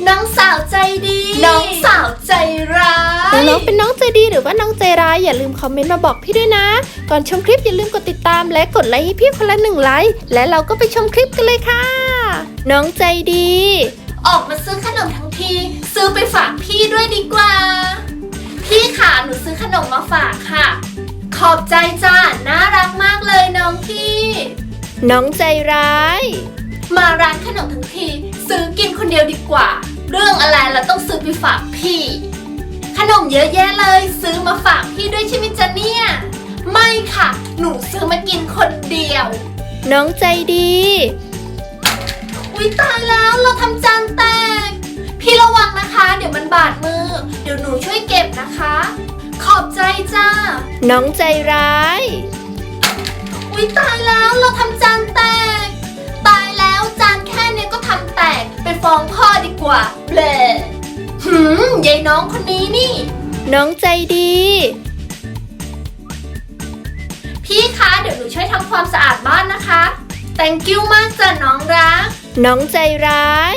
น้องสาวใจดีน้องสาวใจร้ายน้องๆเป็นน้องใจดีหรือว่าน้องใจร้ายอย่าลืมคอมเมนต์มาบอกพี่ด้วยนะก่อนชมคลิปอย่าลืมกดติดตามและกดไลค์ให้พี่คนละ1 ไลค์และเราก็ไปชมคลิปกันเลยค่ะน้องใจดีออกมาซื้อขนมทั้งทีซื้อไปฝากพี่ด้วยดีกว่าพี่ค่ะหนูซื้อขนมมาฝากค่ะขอบใจจ้าน่ารักมากเลยน้องพี่น้องใจร้ายมาร้านขนมทั้งทีซื้อกินคนเดียวดีกว่าเรื่องอะไรเราต้องซื้อไปฝากพี่ขนมเยอะแยะเลยซื้อมาฝากพี่ด้วยใช่ไหมจ๊ะเนี่ยไม่ค่ะหนูซื้อมากินคนเดียวน้องใจดีอุ๊ยตายแล้วเราทำจานแตกพี่ระวังนะคะเดี๋ยวมันบาดมือเดี๋ยวหนูช่วยเก็บนะคะขอบใจจ้าน้องใจร้ายอุ๊ยตายแล้วเราทำจานแตกตายแล้วจานแค่นี้ก็ทำแตกไปฟ้องพ่อดีกว่าเบลยายน้องคนนี้นี่น้องใจดีพี่คะเดี๋ยวหนูช่วยทำความสะอาดบ้านนะคะ thank you มากจ้ะน้องรักน้องใจร้าย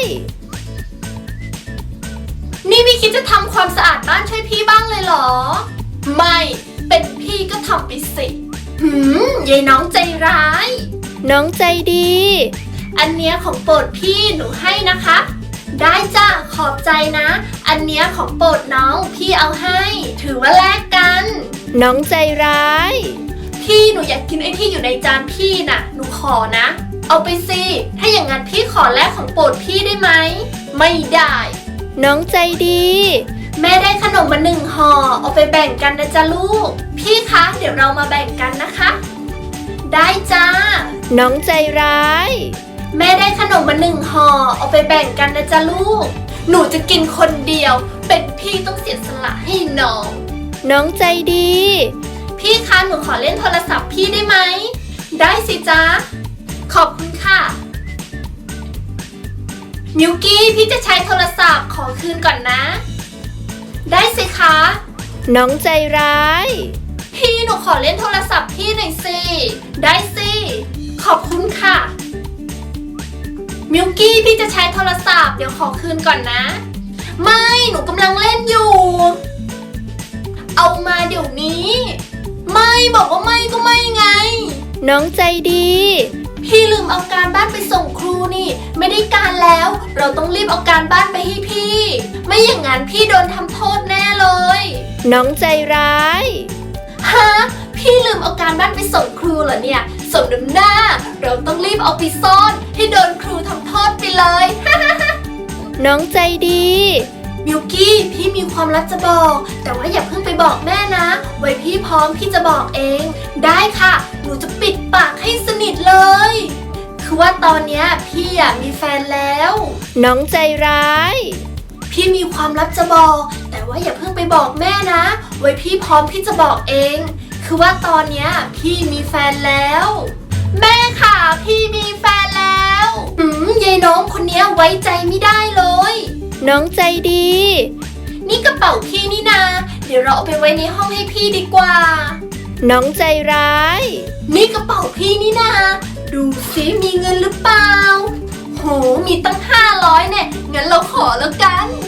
นี่ไม่คิดจะทำความสะอาดบ้านช่วยพี่บ้างเลยเหรอไม่เป็นพี่ก็ทำไปสิยายน้องใจร้ายน้องใจดีอันเนี้ยของโปรดพี่หนูให้นะคะได้จ้ะขอบใจนะอันเนี้ยของโปรดน้องพี่เอาให้ถือว่าแลกกันน้องใจร้ายพี่หนูอยากกินไอ้ที่อยู่ในจานพี่น่ะหนูขอนะเอาไปสิถ้าอย่างนั้นพี่ขอแลกของโปรดพี่ได้ไหมไม่ได้น้องใจดีแม่ได้ขนมมา1 ห่อเอาไปแบ่งกันนะจ๊ะลูกพี่คะเดี๋ยวเรามาแบ่งกันนะคะได้จ้าน้องใจร้ายแม่ได้ขนมมา1 ห่อเอาไปแบ่งกันนะจ๊ะลูกหนูจะกินคนเดียวเป็นพี่ต้องเสียสละให้น้องน้องใจดีพี่คะหนูขอเล่นโทรศัพท์พี่ได้ไหมได้สิจ๊ะขอบคุณค่ะมิวกี้พี่จะใช้โทรศัพท์ขอคืนก่อนนะได้สิคะน้องใจร้ายพี่หนูขอเล่นโทรศัพท์พี่หน่อยสิได้สิขอบคุณค่ะมิวกี้พี่จะใช้โทรศัพท์เดี๋ยวขอคืนก่อนนะไม่หนูกำลังเล่นอยู่เอามาเดี๋ยวนี้ไม่บอกว่าไม่ก็ไม่ไงน้องใจดีพี่ลืมเอาการบ้านไปส่งครูนี่ไม่ได้การแล้วเราต้องรีบเอาการบ้านไปให้พี่ไม่อย่างนั้นพี่โดนทำโทษแน่เลยน้องใจร้ายฮะพี่ลืมเอาการบ้านไปส่งครูเหรอเนี่ยสมน้ำหน้าเราต้องรีบเอาไปซ่อนให้โดนครูทำโทษไปเลยน้องใจดีมิวกี้พี่มีความลับจะบอกแต่ว่าอย่าเพิ่งไปบอกแม่นะไว้พี่พร้อมพี่จะบอกเองได้ค่ะหนูจะปิดปากให้สนิทเลยคือว่าตอนเนี้ยพี่มีแฟนแล้วน้องใจร้ายพี่มีความลับจะบอกแต่ว่าอย่าเพิ่งไปบอกแม่นะไว้พี่พร้อมพี่จะบอกเองคือว่าตอนเนี้ยพี่มีแฟนแล้วแม่ค่ะพี่มีแฟนแล้วยายน้องคนเนี้ยไว้ใจไม่ได้เลยน้องใจดีนี่กระเป๋าพี่นี่นาเดี๋ยวเราเอาไปไว้ในห้องให้พี่ดีกว่าน้องใจร้ายนี่กระเป๋าพี่นี่นาดูสิมีเงินหรือเปล่าโหมีตั้ง500เนี่ยงั้นเราขอแล้วกัน